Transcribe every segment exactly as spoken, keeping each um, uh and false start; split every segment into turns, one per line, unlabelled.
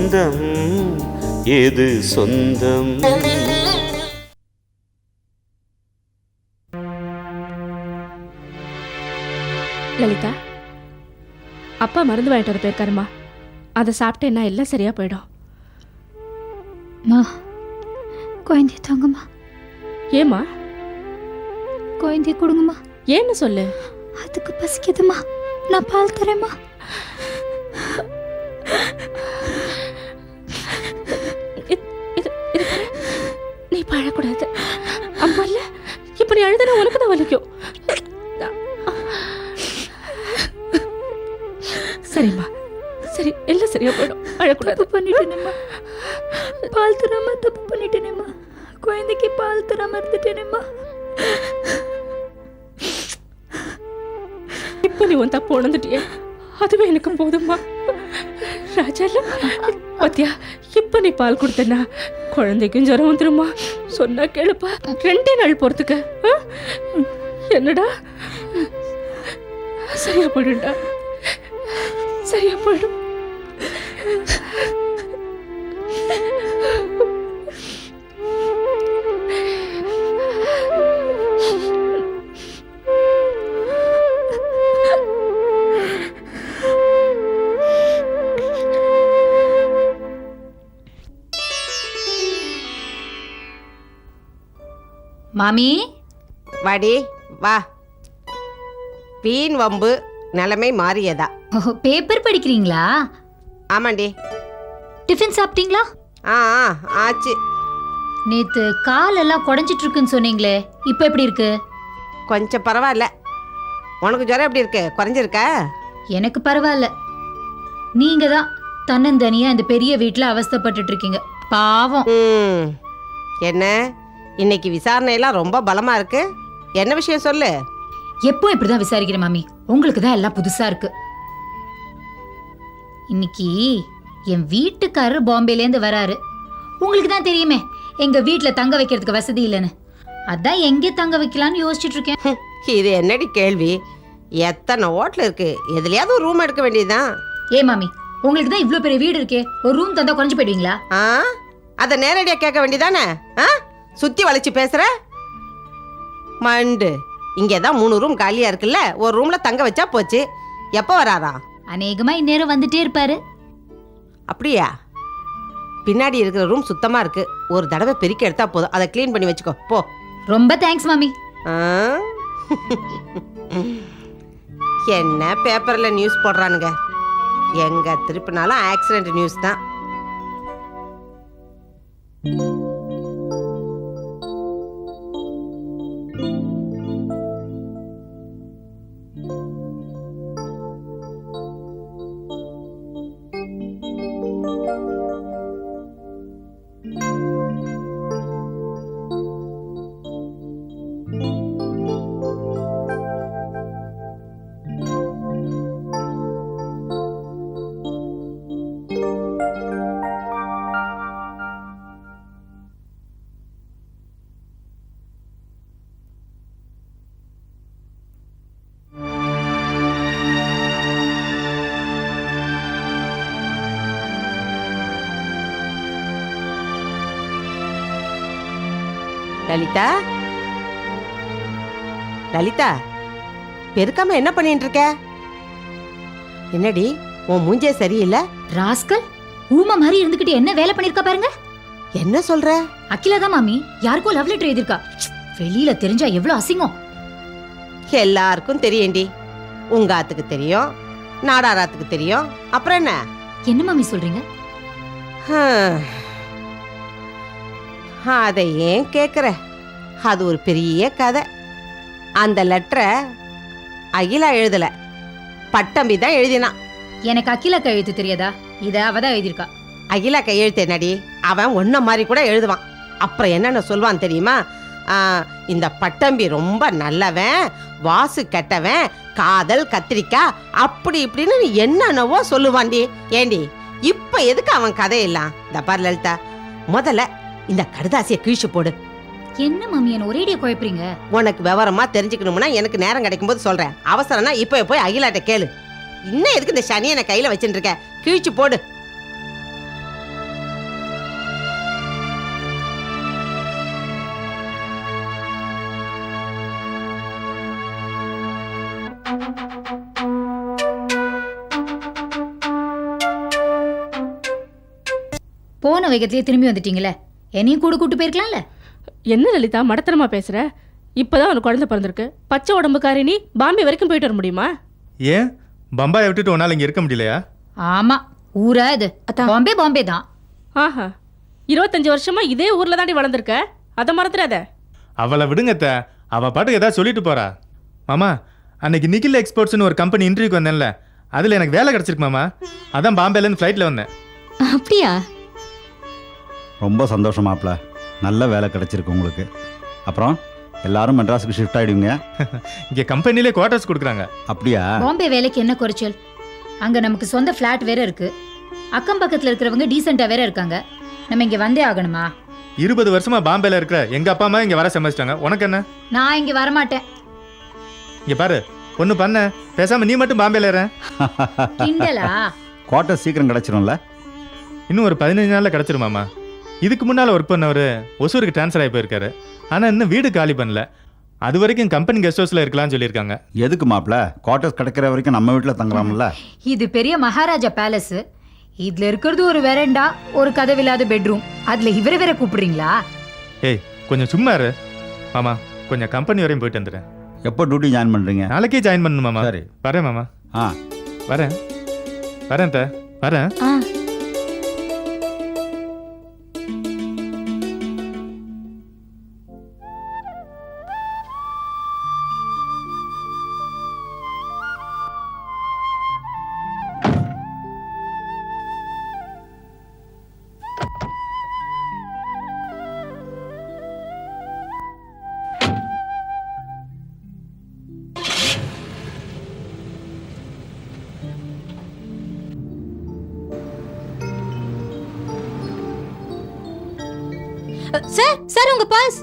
பந்தம் எது சொந்தம்?
லலிதா, அப்பா மருந்து வாங்கிட்டு வர போயிருக்காருமா. அதை சாப்பிட்டேன்னா எல்லாம் சரியா போயிடும்.
மா, குழந்தைய தாங்கம்மா.
ஏம்மா?
குழந்தைய கொடுங்கம்மா.
ஏன்னு சொல்லு.
அதுக்கு பசிக்குதுமா, நான் பால் தரேம்மா.
நீ பழக்கூடாது. அம்மா இல்ல, இப்ப நீ அழுதுனா உனக்கு தான் வலிக்கும். சரிம்மா, சரி, எல்லாம் சரியா போயிடும். அழக்கூடாது.
பண்ணிட்டேனேம்மா, பால் தராம தப்பு பண்ணிட்டேனேம்மா. குழந்தைக்கு பால் தராம இருந்துட்டேனேம்மா.
இப்ப நீ உன் தப்பு உணர்ந்துட்டியே, அதுவே எனக்கு போதும்மா. ராஜா பத்தியா, இப்ப நீ பால் கொடுத்தனா குழந்தைக்கும் ஜுரம் வந்துருமா. சொன்னா கேளுப்பா, ரெண்டே நாள் போறதுக்கு. என்னடா, சரியா போயிடும்டா, சரியா போயிடும்.
மாமி,
வாடி வா. வீண் வம்பு நிலைமை மாறியதா?
ஓஹோ, பேப்பர் படிக்கிறீங்களா?
ஆமாண்டி.
டிஃபன் சாப்பிட்டீங்களா?
ஆ ஆ ஆச்சு.
நேத்து கால் எல்லாம் குடஞ்சிட்டு இருக்குன்னு சொன்னீங்களே, இப்போ எப்படி இருக்கு?
கொஞ்சம் பரவாயில்ல. உனக்கு ஜுரம் எப்படி இருக்கு? குறைஞ்சிருக்கா?
எனக்கு பரவாயில்ல. நீங்க தான் தன்னந்தனியா இந்த பெரிய வீட்டில் அவஸ்தைப்பட்டுட்டு இருக்கீங்க. பாவம்.
ம், என்ன இன்னைக்கு விசாரணையெல்லாம் ரொம்ப பலமா இருக்கு. என்ன விஷயம் சொல்லு.
எப்போ இப்படிதான் விசாரிக்கிறேன் மாமி, உங்களுக்கு தான் எல்லாம் புதுசா இருக்கு. இன்னைக்கு என் வீட்டுக்காரர் பாம்பேலேருந்து வராரு. உங்களுக்கு தான் தெரியுமே எங்க வீட்டுல தங்க வைக்கிறதுக்கு வசதி இல்லைன்னு. அதான் எங்கே தங்க வைக்கலான்னு யோசிச்சுட்டு இருக்கேன்.
இது என்னடி கேள்வி? எத்தனை ஹோட்டல் இருக்கு, எதுலயாவது ஒரு ரூம் எடுக்க வேண்டியதுதான்.
ஏ மாமி, உங்களுக்கு தான் இவ்வளோ பெரிய வீடு இருக்கே, ஒரு ரூம் தந்தா குறைஞ்சு போயிடுவீங்களா?
ஆ, அதை நேரடியாக கேட்க வேண்டியதானே? ஆ, சுத்தி வளைச்சு பேசுற மண்டு. இங்கே தான் மூணு ரூம் காலியா இருக்குல்ல, ஒரு ரூம்ல தங்க வச்சா போச்சு. எப்போ வராரா?
அநேகமா இந்நேரம் வந்துட்டே இருப்பாரு.
அப்படியா? பின்னாடி இருக்கிற ரூம் சுத்தமா இருக்கு, ஒரு தடவை பெருக்கி எடுத்தா போதும். அதை கிளீன் பண்ணி வச்சுக்கோ போ.
ரொம்ப தேங்க்ஸ் மாமி.
என்ன பேப்பர்ல நியூஸ் போடுறானுங்க, எங்க திருப்பினாலும் ஆக்சிடென்ட் நியூஸ் தான். லலிதா, லலிதா, பெருக்காம என்ன பண்ணிட்டு இருக்க? என்னடி உன் மூஞ்சே சரியில்லை?
ராஸ்கல், ஊமா மாதிரி இருந்துகிட்டு என்ன வேலை பண்ணிருக்கா பாருங்க.
என்ன சொல்ற?
அகிலா தான் மாமி யாருக்கோ லவ் லெட்டர் எழுதிருக்கா. வெளியில தெரிஞ்சா எவ்வளவு அசிங்கம்.
எல்லாருக்கும் தெரியும்டி. உங்க ஆத்துக்கு தெரியும், நாடாராத்துக்கு தெரியும், அப்புறம் என்ன?
என்ன மாமி சொல்றீங்க?
அதை ஏன் கேக்குற? அது ஒரு பெரிய கதை. அந்த லெட்டரை அகிலா எழுதல, பட்டம்பி தான் எழுதினான்.
எனக்கு அகிலா கையெழுத்து தெரியாதா? இத அவதான் எழுதிருக்கா.
அகிலா கையெழுத்து என்னடி? அவன் ஒன்ன மாதிரி கூட எழுதுவான். அப்புறம் என்னென்ன சொல்வான் தெரியுமா? இந்த பட்டம்பி ரொம்ப நல்லவன், வாசு கெட்டவன், காதல் கத்திரிக்காய், அப்படி இப்படின்னு என்னென்னவோ சொல்லுவான்டி. ஏண்டி இப்ப எதுக்கு அவன் கதையெல்லாம்? இந்த பாரு லலிதா, முதல்ல இந்த கடுதாசியை கிழிச்சு போடு.
என்ன மாமி என்ன ஒரேடியா குழப்பறீங்க?
உனக்கு விவரமா தெரிஞ்சுக்கணும்னா எனக்கு நேரம் கிடைக்கும் போது சொல்றேன். அவசரம்னா இப்ப போய் அகிலாட்ட கேளு. இன்னும் எதுக்கு இந்த சனியை கையில வச்சுட்டு இருக்க? கிழிச்சு போடு.
போன வேகத்திலேயே திரும்பி வந்துட்டீங்களே, என்னையும் கூட கூட்டு போயிருக்கலாம்ல.
என்ன லலிதா மடத்தனமா பேசுற? இப்பதான் உனக்கு குழந்தை பிறந்திருக்கு. பச்சை உடம்புக்காரி நீ பாம்பே வரைக்கும் போயிட்டு வர முடியுமா?
ஏன் பம்பாயை விட்டுட்டு உன்னால இங்க இருக்க முடியலையா?
ஆமா, ஊரா இது. பாம்பே பாம்பே தான்.
ஆஹா, இருபத்தஞ்சு வருஷமா இதே ஊர்ல தாண்டி வளர்ந்துருக்க, அதை மறந்துடாத.
அவளை விடுங்கத்த, அவ பாட்டுக்கு ஏதாவது சொல்லிட்டு போறா. மாமா, அன்னைக்கு நிக்கில் எக்ஸ்போர்ட்ஸ்னு ஒரு கம்பெனி இன்டர்வியூக்கு வந்தேன்ல, அதுல எனக்கு வேலை கிடைச்சிருக்கு மாமா. அதான் பாம்பேலேருந்து ஃப்ளைட்ல வந்தேன்.
அப்படியா?
ரொம்ப சந்தோஷம் மாப்ள, நல்ல வேலை கிடைச்சிருக்கு உங்களுக்கு. அப்புறம் எல்லாரும் மெட்ராஸுக்கு ஷிஃப்ட் ஆகிடுவீங்க.
இங்கே கம்பெனிலே குவார்ட்டர்ஸ் கொடுக்குறாங்க.
அப்படியா?
பாம்பே வேலைக்கு என்ன குறைச்சல்? அங்க நமக்கு சொந்த ஃப்ளாட் வேற இருக்கு, அக்கம் பக்கத்துல இருக்கிறவங்க டீசெண்டா வேற இருக்காங்க. நம்ம இங்க வந்தே ஆகணுமா?
இருபது வருஷமா பாம்பேல இருக்கிற எங்க அப்பா அம்மா இங்க வர சமைச்சிட்டாங்க. உனக்கு என்ன?
நான் இங்க வரமாட்டேன்.
இங்க பாரு, ஒண்ணு பண்ண, பேசாம நீ மட்டும் பாம்பேல ஏற.
கிண்டலா?
குவார்ட்டர் சீக்கிரம் கிடைச்சிரும்ல?
இன்னும் ஒரு பதினஞ்சு நாள்ல கிடைச்சிருமாமா. இதுக்கு முன்னால் ஒர்க் பண்ணவர் ஒசூருக்கு ட்ரான்ஸ்ஃபர் ஆகி போயிருக்காரு. ஆனால் இன்னும் வீடு காலி பண்ணல. அது வரைக்கும் கம்பெனி கெஸ்ட் ஹவுஸில் இருக்கலாம்னு சொல்லியிருக்காங்க.
எதுக்கு மாப்ள? குவார்ட்டர்ஸ் கிடைக்கிற வரைக்கும் நம்ம வீட்டில் தங்கலாம்ல?
இது பெரிய மகாராஜா பேலஸ். இதுல இருக்கிறது ஒரு வெரண்டா, ஒரு கதவில்லாத பெட்ரூம். அதுல இவர வேற கூப்பிடுறீங்களா?
ஏய், கொஞ்சம் சும்மா இரு மாமா. கொஞ்சம் கம்பெனி வரையும் போயிட்டு வந்துடுறேன்.
எப்போ டியூட்டி ஜாயின் பண்ணுறீங்க?
நாளைக்கே ஜாயின் பண்ணணும் மாமா.
சரி,
வரேன் மாமா.
ஆ
வரேன் வரேன் த வரேன்.
சார், சார் உங்க பாஸ்.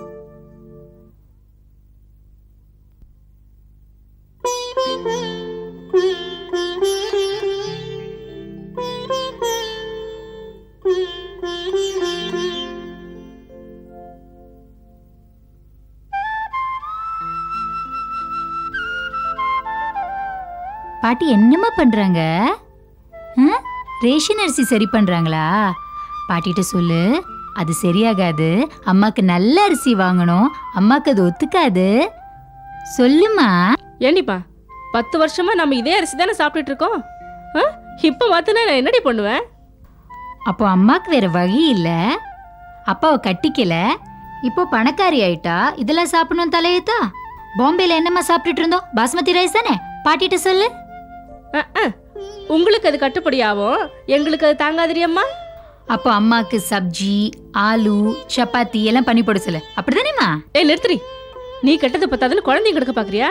பாட்டி என்னம்மா பண்றாங்க? ரேஷன் அரிசி சரி பண்றாங்களா? பாட்டிட்ட சொல்லு, அது சரியாகாது, அம்மாக்கு நல்ல அரிசி வாங்கணும், அம்மாக்கு அது ஒத்துக்காது. சொல்லுமா.
ஏண்டிப்பா, பத்து வருஷமா நம்ம இதே அரிசி தானே சாப்பிட்டுட்டு இருக்கோம். இப்போ மாத்தினா நான் என்னடி பண்ணுவேன்?
அப்போ அம்மாக்கு வேற வழி இல்ல, அப்பாவை கட்டிக்கல, இப்போ பணக்காரி ஆயிட்டா, இதெல்லாம் சாப்பிடணும் தலையத்தா. பாம்பேல என்னம்மா சாப்பிட்டுட்டு இருந்தோம்? பாஸ்மதி ரைஸ் தானே. பாட்டிட்ட சொல்லு.
உங்களுக்கு அது கட்டுப்படி ஆகும், எங்களுக்கு அது தாங்காதிரியம்மா.
அப்போ அம்மாக்கு சப்ஜி, ஆலு, சப்பாத்தி எல்லாம் பண்ணி போட சொல்லு. அப்படிதானேம்மா?
ஏய் நிறுத்துறி, நீ கெட்டது பத்தாதுன்னு குழந்தைங்க கிடக்க பாக்குறியா?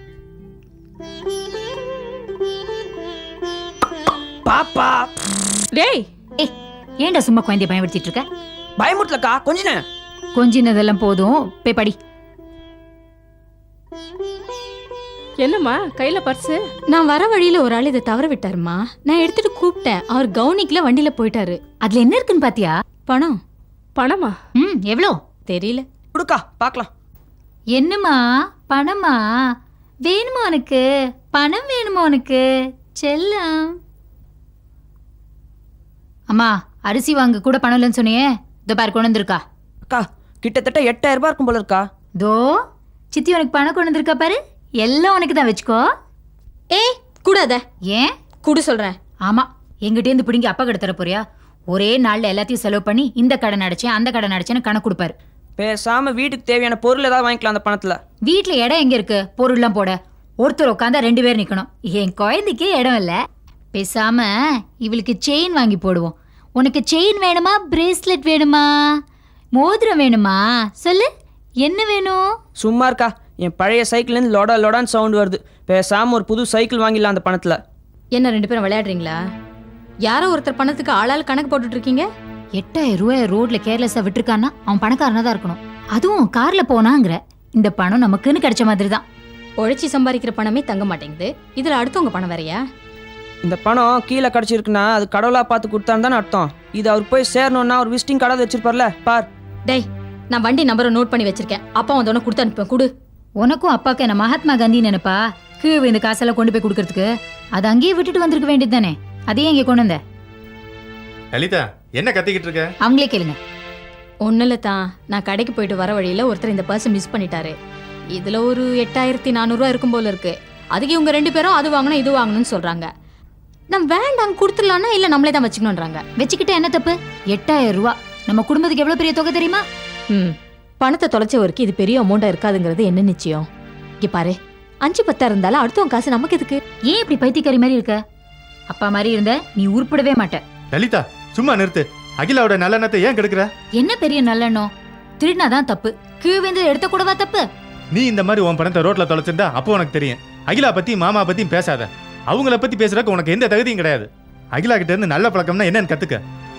பாப்பா
டேய்,
ஏய் ஏன்டா சும்மா குழந்தைய பயன்படுத்திட்டு இருக்க?
பயமுட்டலக்கா, கொஞ்ச நேரம்
கொஞ்சினதெல்லாம் போதும், போய் படி.
என்னம்மா கையில பர்ஸு?
நான் வர வழியில ஒரு ஆள் இதை தவற விட்டாருமா. நான் எடுத்துட்டு கூப்பிட்டேன், அவர் கவுனிக்கல, வண்டியில போயிட்டாரு.
அதுல என்ன இருக்குன்னு பாத்தியா?
பணம்.
பணமா?
ம், எவ்வளோ
தெரியல.
கொடுக்கா பாக்கலாம்.
என்னம்மா பணமா வேணுமா உனக்கு? பணம் வேணுமா உனக்கு செல்லம்? அம்மா, அரிசி வாங்க கூட பணம் இல்லைன்னு சொன்னியே, இதோ பாரு கொண்டு வந்திருக்கா.
அக்கா, கிட்டத்தட்ட எட்டாயிரம் ரூபாய் இருக்கும் போல இருக்கா.
தோ சித்தி உனக்கு பணம் கொண்டு வந்திருக்கா பாரு, எல்லாம் உனக்கு தான், வச்சுக்கோ.
ஏய் கூடாத.
ஏன்
குடு சொல்றேன்.
ஆமா, எங்கிட்டேருந்து பிடிங்கி அப்பா கிட்ட தர போறியா? ஒரே நாள்ல எல்லாத்தையும் செலவு பண்ணி இந்த கடன் அடைச்சேன் அந்த கடன் அடைச்சேன்னு கணக்கு கொடுப்பாரு.
பேசாம வீட்டுக்கு தேவையான பொருள் ஏதாவது வாங்கிக்கலாம் அந்த பணத்துல.
வீட்டுல இடம் எங்க இருக்கு பொருள்லாம் போட? ஒருத்தர் உட்காந்தா ரெண்டு பேர் நிக்கணும். என் குழந்தைக்கே இடம் இல்ல. பேசாம இவளுக்கு செயின் வாங்கி போடுவோம். உனக்கு செயின் வேணுமா, பிரேஸ்லெட் வேணுமா, மோதிரம் வேணுமா? சொல்லு, என்ன வேணும்?
சும்மா இருக்கா, என் பழைய சைக்கிள்ல இருந்து லொடா லொடான்னு சவுண்ட் வருது. பேசாம ஒரு புது சைக்கிள் வாங்கிடலாம் அந்த பணத்துல.
என்ன ரெண்டு பேரும் விளையாடுறீங்களா? யாரோ ஒருத்தர் பணத்துக்கு ஆளால் கணக்கு போட்டுட்டு இருக்கீங்க.
எட்டாயிரம் ரூபாய் ரோட்ல கேர்லெஸ்ஸா விட்டுருக்கான்னா அவன் பணக்காரனா தான் இருக்கணும். அதுவும் கார்ல போனாங்கிற. இந்த பணம் நமக்குன்னு கிடைச்ச மாதிரி தான்.
உழைச்சி சம்பாதிக்கிற பணமே தங்க மாட்டேங்குது, இதுல அடுத்தவங்க பணம் வேறையா?
இந்த பணம் கீழே கிடைச்சிருக்குன்னா அது கடவுளா பார்த்து கொடுத்தான்னு தானே அர்த்தம். இது அவர் போய் சேரணும்னா ஒரு விசிட்டிங் கார்டு வச்சிருப்பார்ல, பார்.
டேய், நான் வண்டி நம்பரை நோட் பண்ணி வச்சிருக்கேன், அப்பா வந்தோடனே கொடுத்து அனுப்பேன். குடு.
உனக்கும் அப்பாக்கு என்ன மகாத்மா காந்தி நினைப்பா? கீழே இந்த காசெல்லாம் கொண்டு போய் கொடுக்கறதுக்கு அதை அங்கேயே விட்டுட்டு வந்திருக்க வேண்டியது தானே, அதையே இங்கே கொண்டு வந்த.
லலிதா என்ன கத்திக்கிட்டு இருக்க?
அவங்களே கேளுங்க.
ஒன்றும் இல்லை தான், நான் கடைக்கு போயிட்டு வர வழியில் ஒருத்தர் இந்த பர்ஸை மிஸ் பண்ணிட்டாரு. இதில் ஒரு எட்டாயிரத்தி நானூறுரூவா இருக்கும் போல இருக்கு. அதுக்கு இவங்க ரெண்டு பேரும் அது வாங்கணும் இது வாங்கணும்னு சொல்கிறாங்க. நான் வேண்டாம் கொடுத்துடலான்னா இல்லை நம்மளே தான் வச்சுக்கணுன்றாங்க.
வச்சுக்கிட்ட என்ன தப்பு? எட்டாயிரம் ரூபா நம்ம குடும்பத்துக்கு எவ்வளோ பெரிய தொகை தெரியுமா?
ம் பணத்தை தொலைச்சவருக்கு இது பெரிய அமௌண்ட்டாக இருக்காதுங்கிறது என்ன நிச்சயம்? இங்கே பாரு, அஞ்சு பத்தா இருந்தாலும் அடுத்தவங்க காசு நமக்கு எதுக்கு?
ஏன் இப்படி பைத்தியக்காரி மாதிரி இருக்க? அப்பா மாதிரி இருந்த நீ உருப்படவே மாட்ட.
லலிதா சும்மா நிறுத்து. அகிலாவோட நல்லெண்ணத்தை ஏன் கெடுக்கிற?
என்ன பெரிய நல்லெண்ணம்? திருடினாதான் தப்பு, கீழ்வேந்து எடுத்த கூடவா தப்பு?
நீ இந்த மாதிரி உன் பணத்தை ரோட்ல தொலைச்சிருந்தா அப்போ உனக்கு தெரியும். அகிலா பத்தி மாமா பத்தியும் பேசாத. அவங்கள பத்தி பேசுறதுக்கு உனக்கு எந்த தகுதியும் கிடையாது. அகிலா கிட்ட இருந்து நல்ல பழக்கம்னா என்னன்னு கத்துக்க.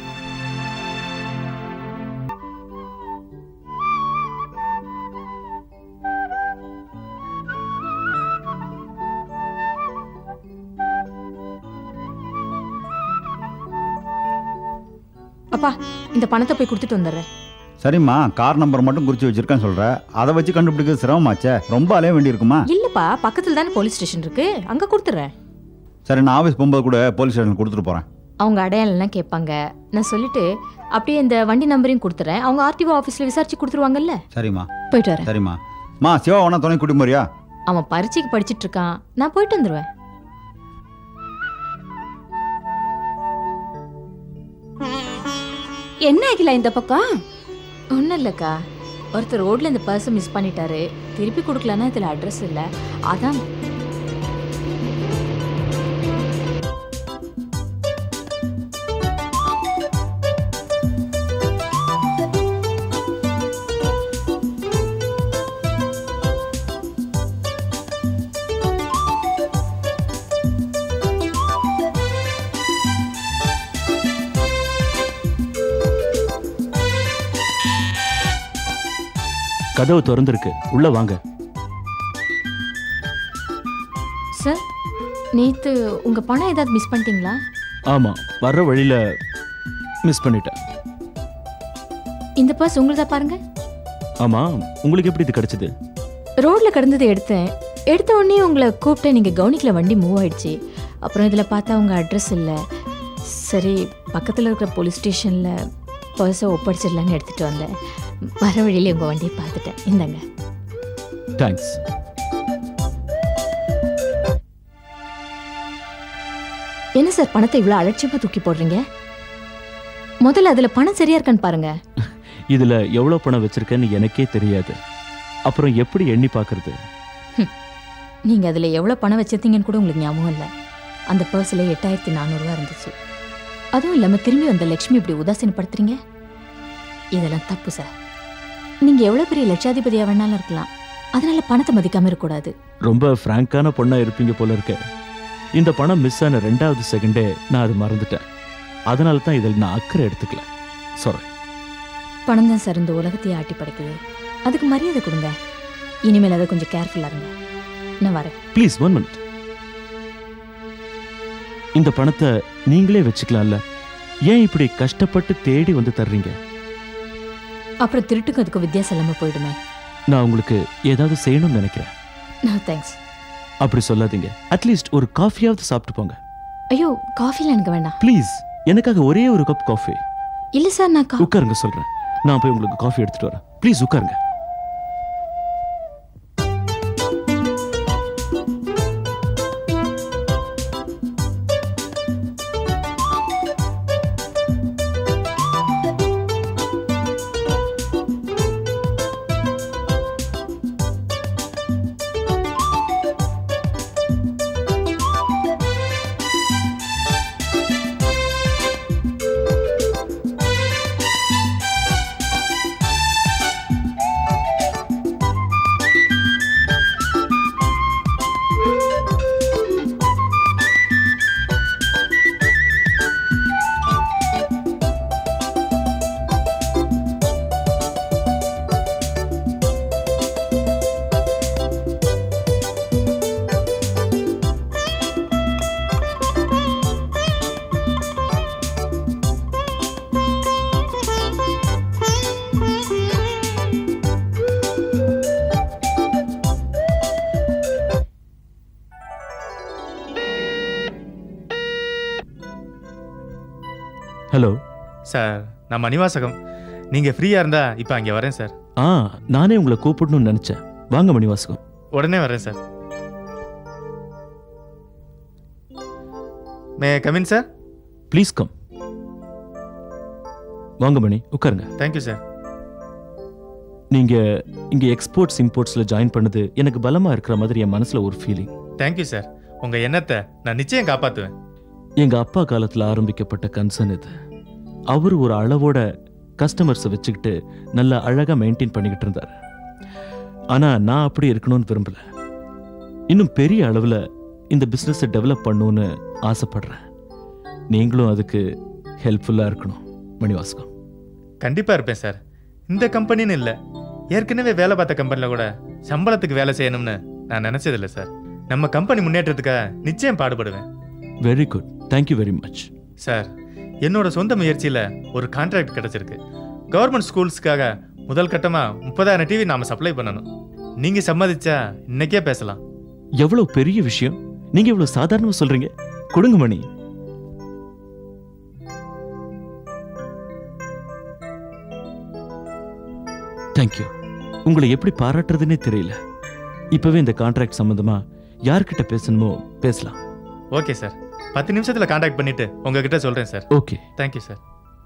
அப்பா இந்த பணத்தை போய் கொடுத்துட்டு வந்துடுறேன்.
சரிம்மா, கார் நம்பர் மட்டும் குறித்து வச்சிருக்கேன்னு சொல்ற. அதை வச்சு கண்டுபிடிக்கிறது சிரமமாச்சே, ரொம்ப அலைய வேண்டி இருக்குமா?
இல்லப்பா, பக்கத்துல தானே போலீஸ் ஸ்டேஷன் இருக்கு, அங்க கொடுத்துறேன்.
சரி, நான் ஆஃபீஸ் போகும்போது கூட போலீஸ் ஸ்டேஷன் கொடுத்துட்டு போறேன்.
அவங்க அடையாளம்லாம் கேட்பாங்க. நான் சொல்லிட்டு அப்படியே இந்த வண்டி நம்பரையும் கொடுத்துறேன். அவங்க ஆர்டிஓ ஆஃபீஸ்ல விசாரிச்சு கொடுத்துருவாங்கல்ல.
சரிம்மா.
போயிட்டு வரேன்.
சரிம்மா. மா, சிவா வேணா துணை கூட்டி போறியா?
அவன் பரீட்சைக்கு படிச்சிட்டு இருக்கான், நான் போயிட்டு வந்துடுவேன்.
என்ன ஆகில இந்த பக்கம்?
ஒன்றும் இல்லைக்கா, ஒருத்தர் ரோட்ல இந்த பர்ஸை மிஸ் பண்ணிட்டாரு. திருப்பி கொடுக்கலன்னா இதில் அட்ரஸ் இல்லை, அதான்.
கதவு திறந்திருக்கு, உள்ள வாங்க.
சார், நேற்று உங்கள் பணம் ஏதாவது மிஸ் பண்ணிட்டீங்களா?
ஆமா, வர்ற வழியில மிஸ் பண்ணிட்டேன்.
இந்த பர்ஸ் உங்களுதா பாருங்க.
ஆமா, உங்களுக்கு எப்படி இது கிடைச்சது?
ரோட்ல கிடந்ததை எடுத்தேன். எடுத்த உடனே உங்களை கூப்பிட்டேன், நீங்கள் கவனிக்கல, வண்டி மூவ் ஆயிடுச்சு. அப்புறம் இதில் பார்த்தா உங்கள் அட்ரஸ் இல்லை. சரி, பக்கத்தில் இருக்கிற போலீஸ் ஸ்டேஷனில் பர்ஸை ஒப்படைச்சிடலான்னு எடுத்துகிட்டு வந்தேன். வர வழியிலே உங்கள் வண்டியை பார்த்துட்டேன். இந்தாங்க.
தேங்க்ஸ்.
என்ன சார், பணத்தை இவ்வளோ அலட்சியமாக தூக்கி போடுறீங்க? முதல்ல அதில் பணம் சரியா இருக்கான்னு பாருங்க.
இதுல எவ்வளவு பணம் வச்சிருக்கேன்னு எனக்கே தெரியாது, அப்புறம் எப்படி எண்ணி பார்க்கறது?
நீங்கள் அதில் எவ்வளோ பணம் வச்சிருந்தீங்கன்னு கூட உங்களுக்கு ஞாபகம் இல்லை. அந்த பர்ஸில் எட்டாயிரத்தி நானூறுரூவா இருந்துச்சு. அதுவும் இல்லாமல் திரும்பி வந்த லக்ஷ்மி இப்படி உதாசீனப்படுத்துறீங்க, இதெல்லாம் தப்பு சார். நீங்கள் எவ்வளோ பெரிய லட்சாதிபதியாக வேணாலும் இருக்கலாம், அதனால பணத்தை மதிக்காமல் இருக்கக்கூடாது.
ரொம்ப ஃப்ராங்கான பொண்ணா இருப்பீங்க போல இருக்க. இந்த பணம் மிஸ் ஆன ரெண்டாவது செகண்டே நான் அது மறந்துட்டேன். அதனால தான் இதில் நான் அக்கறை எடுத்துக்கல. சாரி.
பணம் தான் சார் இந்த உலகத்தையே ஆட்டி படைக்குது, அதுக்கு மரியாதை கொடுங்க. இனிமேல் அதை கொஞ்சம் கேர்ஃபுல்லாக இருங்க. நான் வரேன்.
Please one minute. இந்த பணத்தை நீங்களே வச்சுக்கலாம்ல, ஏன் இப்படி கஷ்டப்பட்டு தேடி வந்து தர்றீங்க?
அப்புறம் திருட்டுக்கு அதுக்கு வித்தியாசம் இல்லாமல் போயிடுமே.
நான் உங்களுக்கு ஏதாவது செய்யணும்னு நினைக்கிறேன்.
நான் தேங்க்ஸ்.
அப்படி சொல்லாதீங்க. அட்லீஸ்ட் ஒரு காஃபியாவது சாப்பிட்டு போங்க.
ஐயோ, காஃபிலாம் எனக்கு வேண்டாம்.
ப்ளீஸ், எனக்காக ஒரே ஒரு கப் காஃபி.
இல்லை சார், நான் கா
உட்காருங்க சொல்றேன். நான் போய் உங்களுக்கு காஃபி எடுத்துட்டு வரேன். ப்ளீஸ் உட்காருங்க. ஹலோ.
சார் நான் மணிவாசகம். நீங்கள் ஃப்ரீயாக இருந்தா இப்போ அங்கே வரேன் சார்.
ஆ, நானே உங்களை கூப்பிடணும்னு நினைச்சேன். வாங்க மணிவாசகம்.
உடனே வரேன் sir. May come in sir?
Please come. வாங்க மணி, உட்காருங்க.
Thank you sir.
நீங்க இங்க எக்ஸ்போர்ட்ஸ் இம்போர்ட்ஸ்ல ஜாயின் பண்ணது எனக்கு பலமா இருக்கிற மாதிரி என் மனசுல ஒரு ஃபீலிங்.
Thank you sir. உங்கள் எண்ணத்தை நான் நிச்சயம் காப்பாற்றுவேன்.
எங்க அப்பா காலத்துல ஆரம்பிக்கப்பட்ட கன்சர்ன் இது. அவர் ஒரு அளவோட கஸ்டமர்ஸை வச்சுக்கிட்டு நல்லா அழகா மெயின்டைன் பண்ணிக்கிட்டு இருந்தார். ஆனா நான் அப்படி இருக்கணும்னு விரும்பல. இன்னும் பெரிய அளவுல இந்த பிசினஸை டெவலப் பண்ணணும்னு ஆசைப்படுறேன். நீங்களும் அதுக்கு ஹெல்ப்ஃபுல்லா இருக்கணும் மணிவாசகம்.
கண்டிப்பாக இருப்பேன் சார். இந்த கம்பெனின்னு இல்லை, ஏற்கனவே வேலை பார்த்த கம்பெனியில் கூட சம்பளத்துக்கு வேலை செய்யணும்னு நான் நினச்சதில்லை சார். நம்ம கம்பெனி முன்னேற்றத்துக்காக நிச்சயம் பாடுபடுவேன்.
Very good, thank you very much.
Sir, என்னோட சொந்த முயற்சியில் ஒரு கான்ட்ராக்ட் கிடச்சிருக்கு. கவர்மெண்ட் ஸ்கூல்ஸ்க்காக முதல் கட்டமாக முப்பதாயிரம் டிவி நாம் சப்ளை பண்ணணும். நீங்கள் சம்மதிச்சா இன்னைக்கே பேசலாம்.
எவ்வளவு பெரிய விஷயம்! நீங்க இவ்வளவு சாதாரணமா சொல்றீங்க. கொடுங்க மணி. தேங்க்யூ. உங்களை எப்படி பாராட்டுறதுன்னே தெரியல. இப்பவே இந்த கான்ட்ராக்ட் சம்பந்தமா யார்கிட்ட பேசணுமோ பேசலாம்.
ஓகே சார், பத்து நிமிஷத்தில் கான்டாக்ட் பண்ணிட்டு உங்ககிட்ட சொல்கிறேன் sir.
Okay,
thank you sir.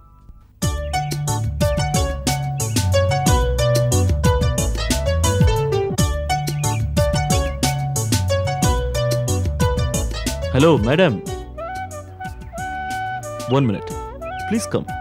Hello madam, one minute please come.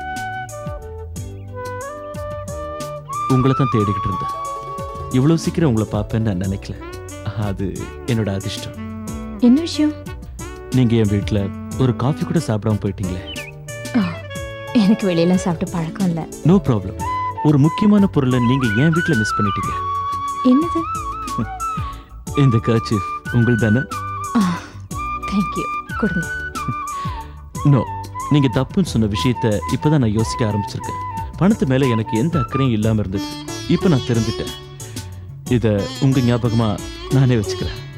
உங்களை தான் தேடிக்கிட்டு இருந்தேன். இவ்வளவு சீக்கிரம் உங்களை பார்ப்பேன்னு நான் நினைக்கல. அது என்னோட அதிர்ஷ்டம்.
என்ன விஷயம்?
நீங்க என் வீட்டில் ஒரு காஃபி கூட சாப்பிடாம போயிட்டீங்களே.
எனக்கு வெளியெல்லாம் சாப்பிட்டு பழக்கம் இல்லை.
No problem. ஒரு முக்கியமான பொருளை நீங்க என் வீட்டில் மிஸ் பண்ணிட்டீங்க.
என்னது?
இந்த கர்ச்சீஃப் உங்கள் தானே?
தேங்க்யூ, கொடுங்க.
நோ, நீங்க தப்புன்னு சொன்ன விஷயத்த இப்பதான் நான் யோசிக்க ஆரம்பிச்சிருக்கேன். பணத்து மேல எனக்கு எந்த அக்கறையும் இல்லாம இருந்தது. இப்ப நான் தெரிஞ்சுட்டேன். இத உங்க ஞாபகமா நானே வச்சுக்கிறேன்.